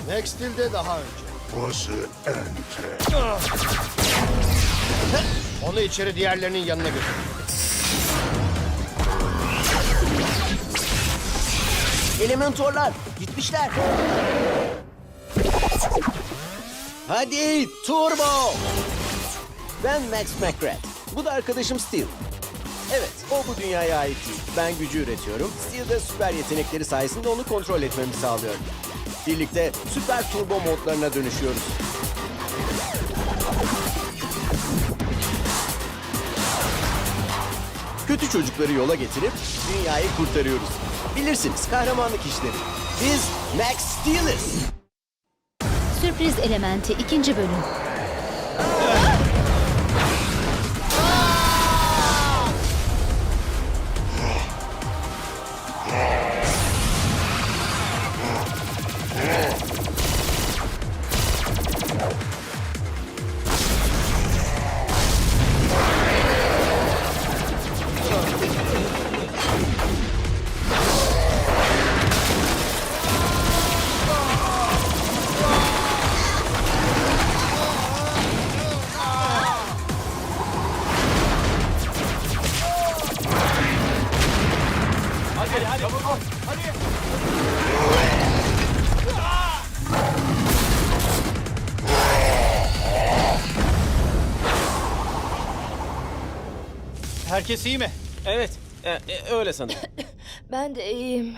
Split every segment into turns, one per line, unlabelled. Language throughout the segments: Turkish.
Max Steel'de daha önce.
Burası ente.
Onu içeri diğerlerinin yanına götür.
Elementorlar gitmişler. Hadi turbo. Ben Max McGrath. Bu da arkadaşım Steel. Evet, o bu dünyaya ait değil. Ben gücü üretiyorum. Steel de süper yetenekleri sayesinde onu kontrol etmemi sağlıyor. Birlikte süper turbo modlarına dönüşüyoruz. Kötü çocukları yola getirip dünyayı kurtarıyoruz. Bilirsiniz, kahramanlık işleri. Biz Max Steel'iz.
Sürpriz Elementi 2. bölüm.
Herkes iyi mi?
Evet, öyle sanırım.
Ben de iyiyim.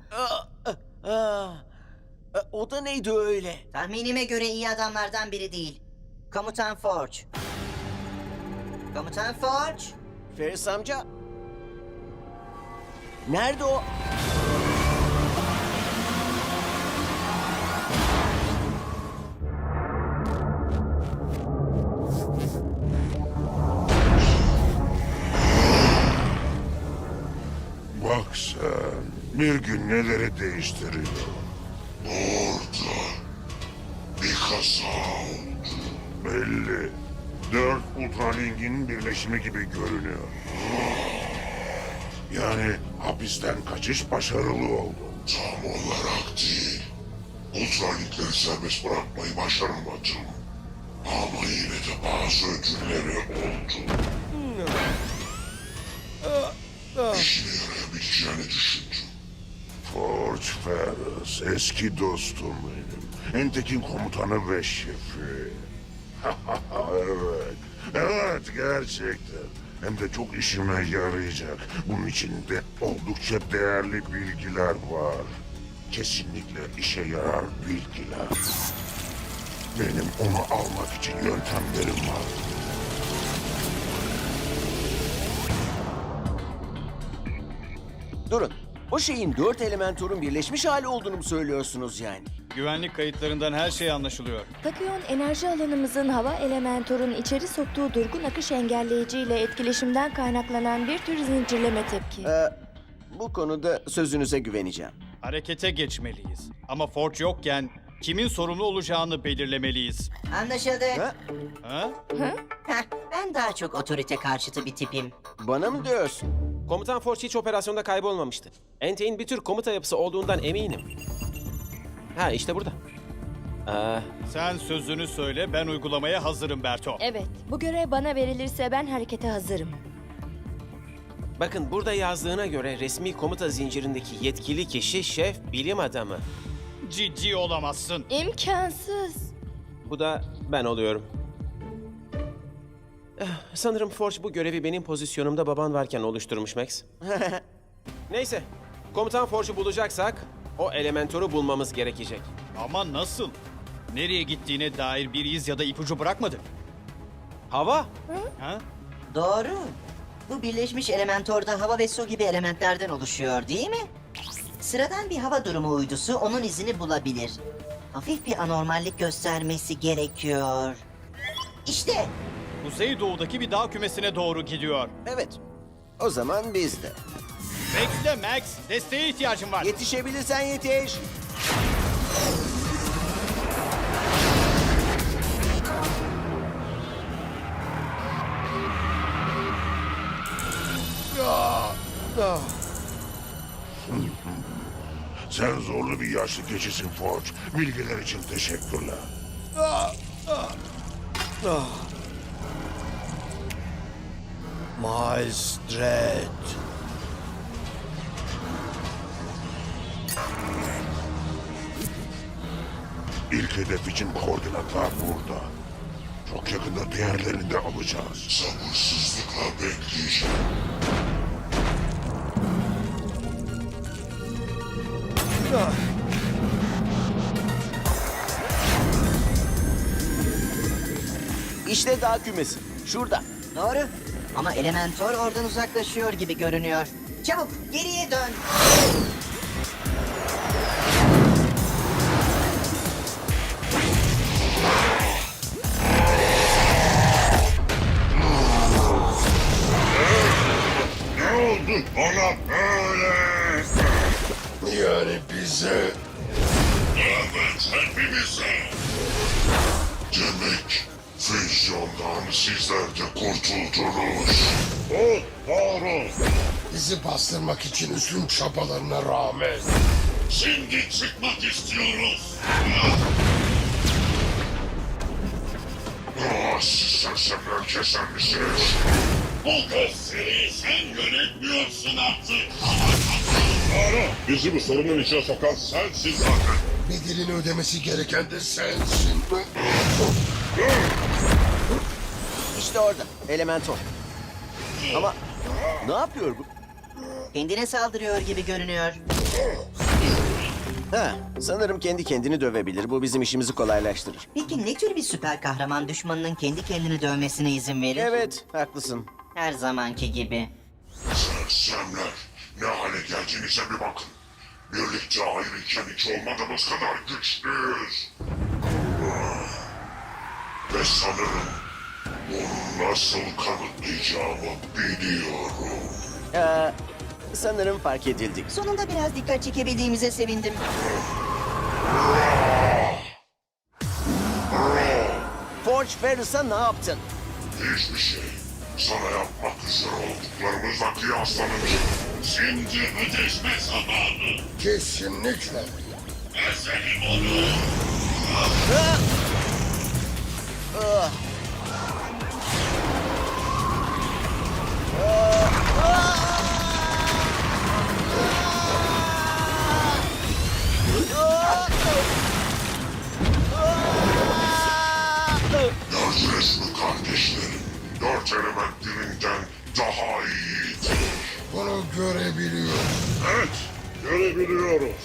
O da neydi öyle?
Tahminime göre iyi adamlardan biri değil. Komutan Forge. Komutan Forge.
Ferris amca. Nerede o?
Bak sen, bir gün neleri değiştiriyor. Orada bir kaza oldu. Belli. 4 Ultralink'in birleşimi gibi görünüyor. Yani hapisten kaçış başarılı oldu. Tam olarak değil. Ultralink'leri serbest bırakmayı başaramadım. Ama yine de bazı ödülleri oldu. İşine yarayabileceğini düşündüm. Forge Ferris, eski dostum benim. Entek'in komutanı ve şefi. Evet, evet gerçekten. Hem de çok işime yarayacak. Bunun içinde oldukça değerli bilgiler var. Kesinlikle işe yarar bilgiler. Benim onu almak için yöntemlerim var.
Durun. O şeyin 4 elementorun birleşmiş hali olduğunu mu söylüyorsunuz yani?
Güvenlik kayıtlarından her şey anlaşılıyor.
Takıyon enerji alanımızın hava elementorun içeri soktuğu durgun akış engelleyiciyle etkileşimden kaynaklanan bir tür zincirleme tepki.
Bu konuda sözünüze güveneceğim.
Harekete geçmeliyiz. Ama Forge yokken kimin sorumlu olacağını belirlemeliyiz.
Anlaşıldı.
Ha?
Ha?
Heh, ben daha çok otorite karşıtı bir tipim.
Bana mı diyorsun?
Komutan Forge hiç operasyonda kaybolmamıştı. Entek'in bir tür komuta yapısı olduğundan eminim. Ha, işte burada.
Sen sözünü söyle, ben uygulamaya hazırım Berto.
Evet, bu görev bana verilirse ben harekete hazırım.
Bakın burada yazdığına göre resmi komuta zincirindeki yetkili kişi şef bilim adamı.
Ciddi olamazsın.
İmkansız.
Bu da ben oluyorum. Sanırım Forge bu görevi benim pozisyonumda baban varken oluşturmuş Max. Neyse, komutan Forge'u bulacaksak o elementoru bulmamız gerekecek.
Ama nasıl? Nereye gittiğine dair bir iz ya da ipucu bırakmadı.
Hava?
Ha?
Doğru. Bu birleşmiş elementorda hava ve su gibi elementlerden oluşuyor değil mi? Sıradan bir hava durumu uydusu onun izini bulabilir. Hafif bir anormallik göstermesi gerekiyor. İşte
Kuzeydoğu'daki bir dağ kümesine doğru gidiyor.
Evet. O zaman biz de.
Bekle Max, desteğe ihtiyacım var.
Yetişebilirsen yetiş.
Sen zorlu bir yaşlı keçisin Forge. Bilgiler için teşekkürler.
Miles Dread.
İlk hedef için koordinatlar burada. Çok yakında diğerlerini de alacağız. Sabırsızlıkla bekleyeceğim.
İşte dağ kümesi. Şurada.
Doğru. Ama Elementor oradan uzaklaşıyor gibi görünüyor. Çabuk geriye dön.
Ne oldu ona böyle? Yani bize... Evet, hepimize. Demek füzyondan sizler de kurtuldunuz. O doğru.
Bizi bastırmak için üstün çabalarına rağmen.
Şimdi çıkmak istiyoruz. Siz sersemler keser misiniz? Bu gösteriyi sen yönetmiyorsun artık. Doğru. Bizi bu sorunun içine sokan sensin zaten.
Bedelini ödemesi gereken de sensin.
İşte orada. Elementor. Ama ne yapıyor bu?
Kendine saldırıyor gibi görünüyor.
Ha, sanırım kendi kendini dövebilir. Bu bizim işimizi kolaylaştırır.
Peki ne tür bir süper kahraman düşmanının kendi kendini dövmesine izin verir?
Evet, haklısın.
Her zamanki gibi.
Sersemler, ne hale geldiğinize bir bakın. Birlikte ayrıyken hiç olmadığımız kadar güçlüyüz. Ve sanırım bunu nasıl kanıtlayacağımı biliyorum.
Sanırım fark edildik.
Sonunda biraz dikkat çekebildiğimize sevindim.
Forge Ferris'a ne yaptın?
Hiçbir şey. Sana yapmak üzere olduklarımızla kıyaslanınca. Şimdi ödeşme zamanı.
Kesinlikle.
Ezelim onu. Gördünüz mü kardeşlerim? Dört element birinden daha iyidir.
Bunu görebiliyorum.
Evet, görebiliyoruz.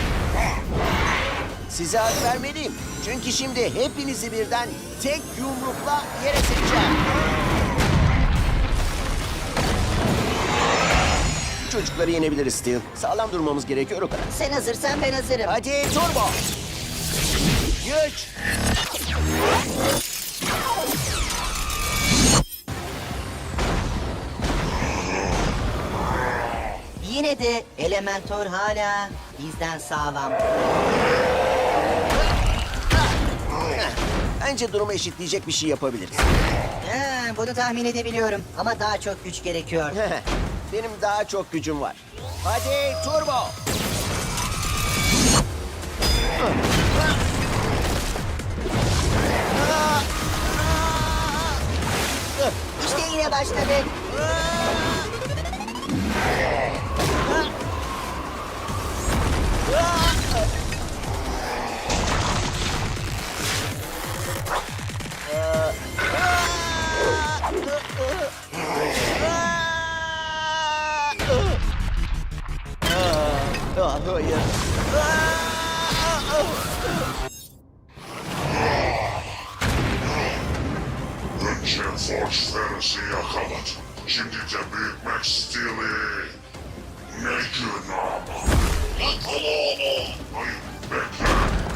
Size hak vermeliyim. Çünkü şimdi hepinizi birden tek yumrukla yere sereceğim. Çocukları yenebiliriz Steel. Sağlam durmamız gerekiyor o kadar.
Sen hazırsan ben hazırım.
Hadi turbo. Güç.
Yine de Elementor hala bizden sağlam.
Bence durumu eşitleyecek bir şey yapabiliriz.
Bunu tahmin edebiliyorum ama daha çok güç gerekiyor.
Benim daha çok gücüm var. Hadi turbo.
İşte yine başladık.
Hayır.
Önce Forge Ferris'i yakaladı. Şimdi de Büyük Max Steel'i. Ne gün ama. Yakala onu. Hayır, bekle.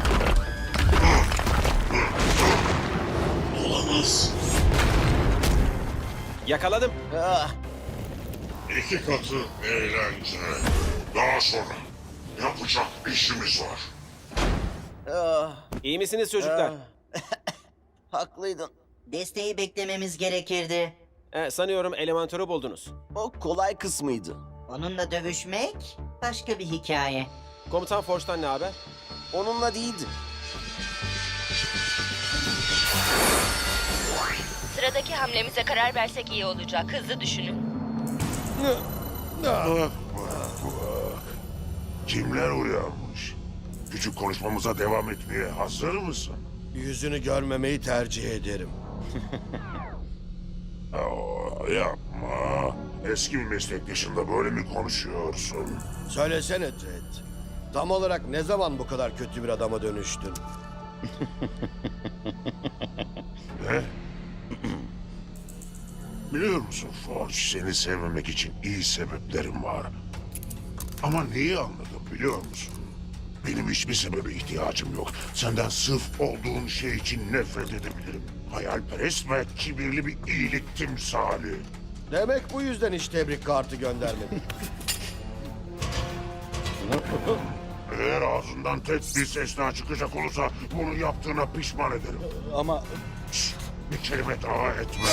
Olamaz.
Yakaladım.
İki katı eğlence. Daha sonra yapacak işimiz var.
İyi misiniz çocuklar?
Haklıydın.
Desteği beklememiz gerekirdi.
Sanıyorum Elementor'u buldunuz.
O kolay kısmıydı.
Onunla dövüşmek başka bir hikaye.
Komutan Forge'dan ne haber?
Onunla değildi.
Sıradaki hamlemize karar versek iyi olacak. Hızlı düşünün.
Bak bak bak. Kimler uyanmış? Küçük konuşmamıza devam etmeye hazır mısın?
Yüzünü görmemeyi tercih ederim.
Yapma. Eski bir meslektaşınla böyle mi konuşuyorsun?
Söylesene Dredd. Tam olarak ne zaman bu kadar kötü bir adama dönüştün?
Ne? Biliyor musun Forge, seni sevmemek için iyi sebeplerim var. Ama neyi anladım biliyor musun? Benim hiçbir sebebe ihtiyacım yok. Senden sırf olduğun şey için nefret edebilirim. Hayalperest ve kibirli bir iyilik timsali.
Demek bu yüzden hiç tebrik kartı göndermedin.
Eğer ağzından tek bir ses daha çıkacak olursa bunu yaptığına pişman ederim.
Ama
Şşt, bir kelime daha etme.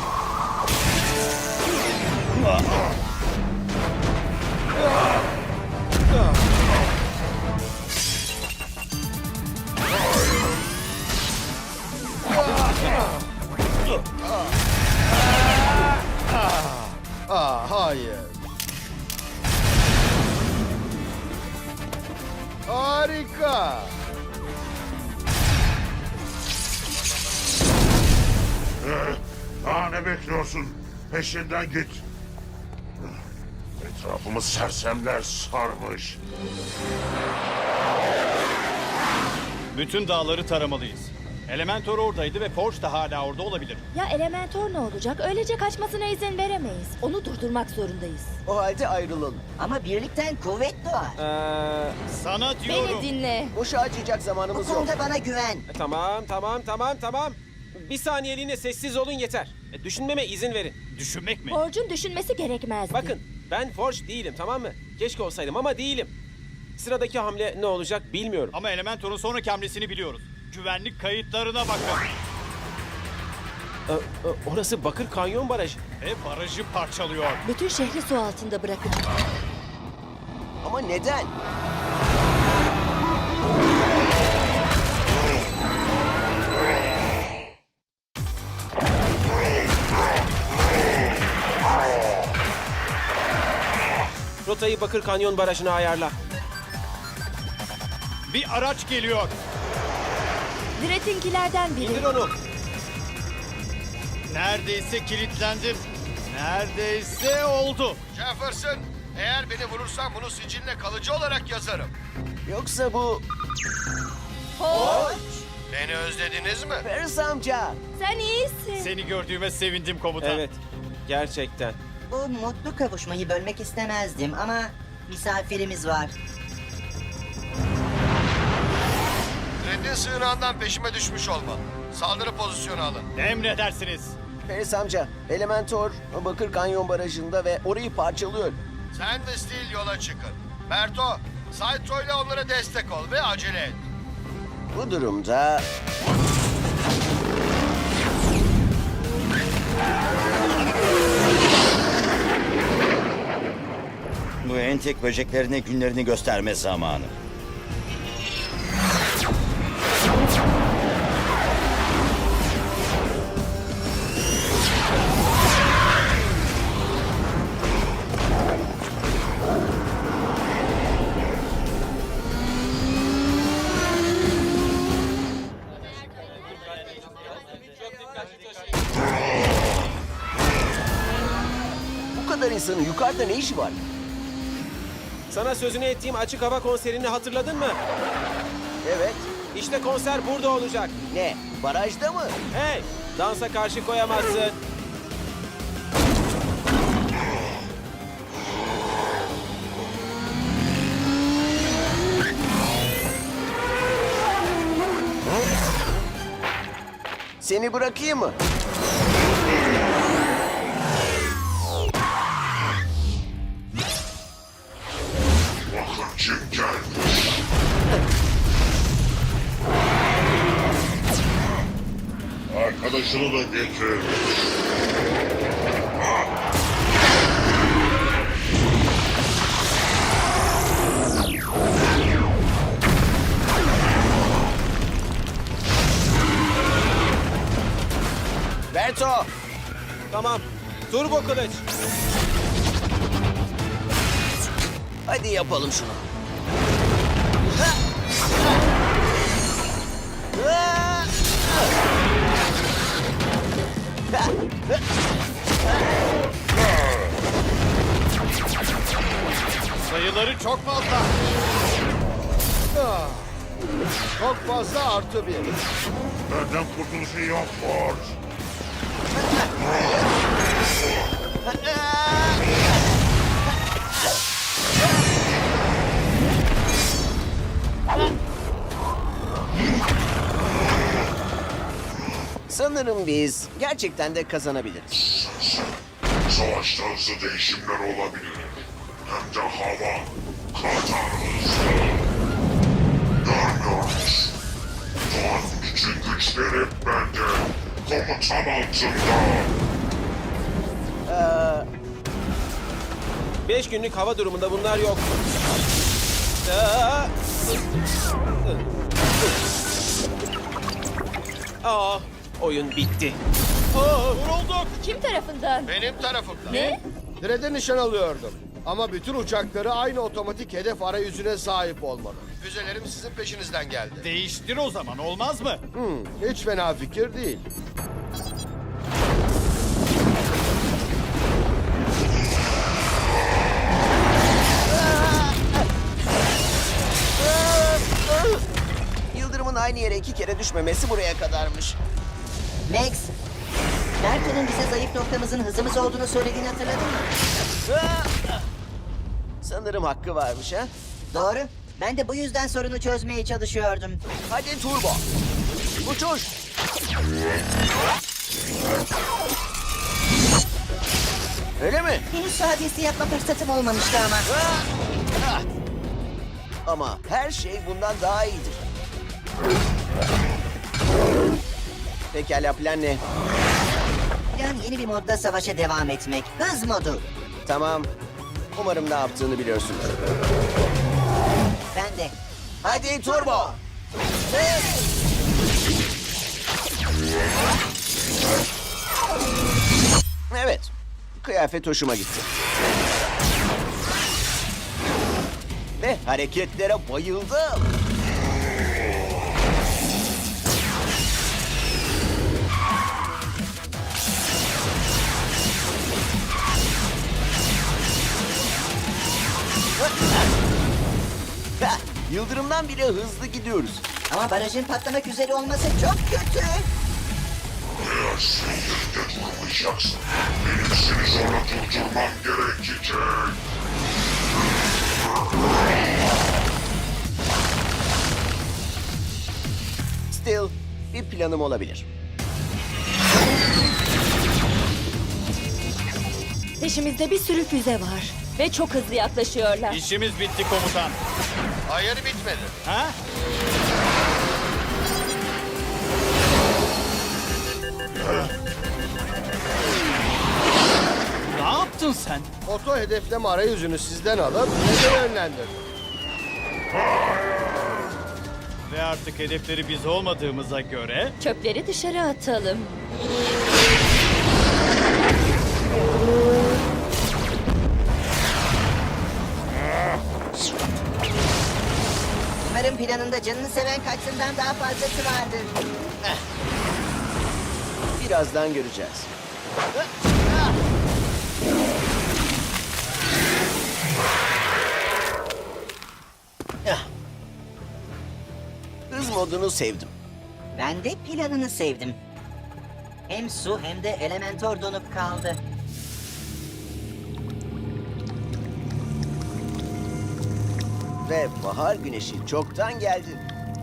Hayır. Harika.
Daha ne bekliyorsun? Peşinden git. Etrafımı sersemler sarmış.
bütün dağları taramalıyız. Elementor oradaydı ve Forge da hala orada olabilir.
Ya Elementor ne olacak? Öylece kaçmasına izin veremeyiz. Onu durdurmak zorundayız.
O halde ayrılalım.
Ama birlikten kuvvet doğar.
Sana diyorum.
Beni dinle.
Boşa acıyacak
Bu
zamanımız yok.
konuda bana güven.
Tamam. Bir saniyeliğine sessiz olun yeter. Düşünmeme izin verin.
Düşünmek mi?
Forge'un düşünmesi gerekmezdi.
Bakın, ben Forge değilim, tamam mı? Keşke olsaydım ama değilim. Sıradaki hamle ne olacak bilmiyorum.
Ama Elementor'un sonraki hamlesini biliyoruz. Güvenlik kayıtlarına bakın.
Orası Bakır Kanyon Barajı.
Ve barajı parçalıyor.
Bütün şehri su altında bırakacak.
Ama neden?
Rotayı Bakır Kanyon Barajı'na ayarla.
Bir araç geliyor.
Dredd'inkilerden biri.
İndir onu.
Neredeyse kilitlendim. Neredeyse oldu.
Jefferson, eğer beni vurursan bunu siciline kalıcı olarak yazarım.
Yoksa bu...
Beni özlediniz mi?
Ferris amca.
Sen iyisin.
Seni gördüğüme sevindim komutan.
Evet, gerçekten.
Bu mutlu kavuşmayı bölmek istemezdim ama misafirimiz var.
Dredd'in sığınağından peşime düşmüş olmalı. Saldırı pozisyonu alın.
Emredersiniz.
Ferris amca, Elementor Bakır Kanyon Barajı'nda ve orayı parçalıyor.
Sen ve Steel yola çıkın. Berto, Saito ile onlara destek ol ve acele et.
Bu durumda...
Bu entek böceklerine günlerini gösterme zamanı.
Bu kadar insanın yukarıda ne işi var?
Sana sözünü ettiğim açık hava konserini hatırladın mı?
Evet.
İşte konser burada olacak.
Ne? Barajda mı?
Hey, dansa karşı koyamazsın.
Seni bırakayım mı?
Vakıfçı gelmiş. Arkadaşını da getir.
Berto!
Tamam. Turbo kılıç.
Hadi yapalım şunu.
Sayıları çok fazla.
Çok fazla artı bir.
Benden kurtuluşu yok Forge.
Sanırım biz gerçekten de kazanabiliriz.
Savaşta hızlı değişimler olabilir. Hem de hava kadar hızlı. Görmüyor musun? Doğanın bütün güçleri bende. Komutan altında.
5 günlük hava durumunda bunlar yok. Oyun bitti.
Vurulduk.
Kim tarafından?
Benim tarafımda.
Ne?
Direğe nişan alıyordum. Ama bütün uçakları aynı otomatik hedef arayüzüne sahip olmalı. Füzelerim sizin peşinizden geldi.
Değiştir o zaman, olmaz mı?
Hiç fena fikir değil.
Yıldırımın aynı yere 2 kere düşmemesi buraya kadarmış.
Max, Merto'nun bize zayıf noktamızın hızımız olduğunu söylediğini hatırladın mı?
Sanırım hakkı varmış ha.
Doğru. Ben de bu yüzden sorunu çözmeye çalışıyordum.
Hadi turbo. Uçuş. Öyle mi?
Henüz sadiyesi yapma fırsatım olmamıştı ama.
Ama her şey bundan daha iyidir. Pekala, plan ne?
Plan yeni bir modda savaşa devam etmek. Hız modu.
Tamam. Umarım ne yaptığını biliyorsun.
Ben de.
Hadi turbo. Evet. Kıyafet hoşuma gitti. Ve hareketlere bayıldım. Yıldırımdan bile hızlı gidiyoruz.
Ama barajın patlamak üzere olması çok kötü.
Eğer sen yerinde durmayacaksın, benim seni zorla durdurmam gerekecek.
Still, bir planım olabilir.
Peşimizde bir sürü füze var. Ve çok hızlı yaklaşıyorlar.
İşimiz bitti komutan.
Hayır bitmedi.
Ha? Ne yaptın sen?
Oto hedefleme arayüzünü sizden alıp neden yönlendirdim?
Ve artık hedefleri biz olmadığımıza göre...
Çöpleri dışarı atalım.
Umarım planında canını seven kaçsından daha fazlası vardır.
Birazdan göreceğiz. Hız modunu sevdim.
Ben de planını sevdim. Hem su hem de Elementor donup kaldı.
Ve bahar güneşi çoktan geldi.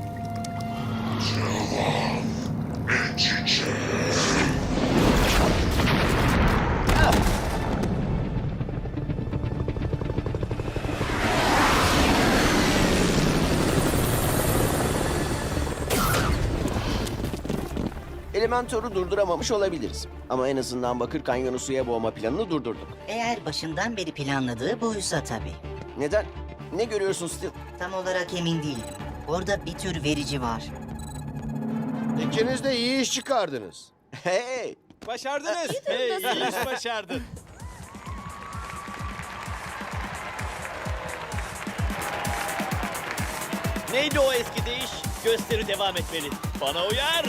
Elementor'u durduramamış olabiliriz. Ama en azından Bakır Kanyonu suya boğma planını durdurduk.
Eğer başından beri planladığı buysa tabii.
Neden? Ne görüyorsun Steel?
Tam olarak emin değilim. Orada bir tür verici var.
İkiniz de iyi iş çıkardınız.
Hey!
Başardınız.
Hey, iyi iş başardın.
Neydi o eski deyiş? Gösteri devam etmeli. Bana uyar.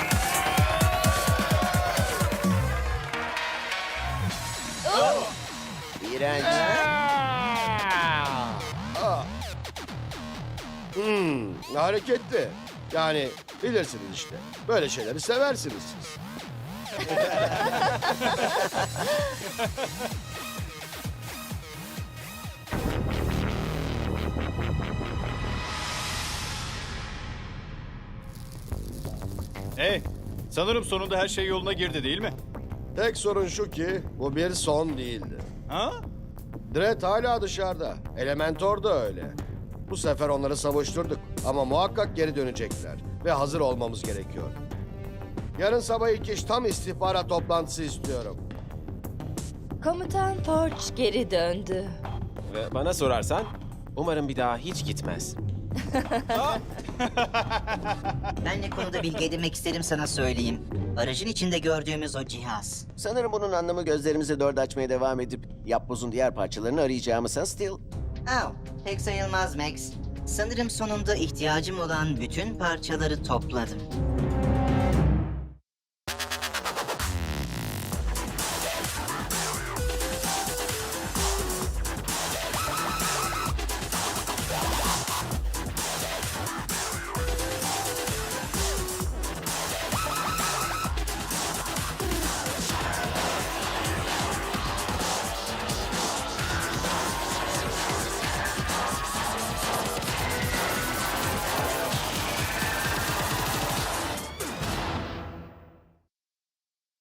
İğrenç.
Hareketli. Yani bilirsiniz işte. Böyle şeyleri seversiniz siz.
Hey, sanırım sonunda her şey yoluna girdi değil mi?
Tek sorun şu ki bu bir son değildi.
Ha?
Dredd hala dışarıda. Elementor da öyle. Bu sefer onları savuşturduk. Ama muhakkak geri dönecekler. Ve hazır olmamız gerekiyor. Yarın sabah ilk iş tam istihbarat toplantısı istiyorum.
Komutan Forge geri döndü.
Ve bana sorarsan umarım bir daha hiç gitmez.
Ben ne konuda bilgi edinmek isterim sana söyleyeyim. Aracın içinde gördüğümüz o cihaz.
Sanırım bunun anlamı gözlerimizi dört açmaya devam edip yapbozun diğer parçalarını arayacağımız, ha Steel?
Pek sayılmaz Max. Sanırım sonunda ihtiyacım olan bütün parçaları topladım.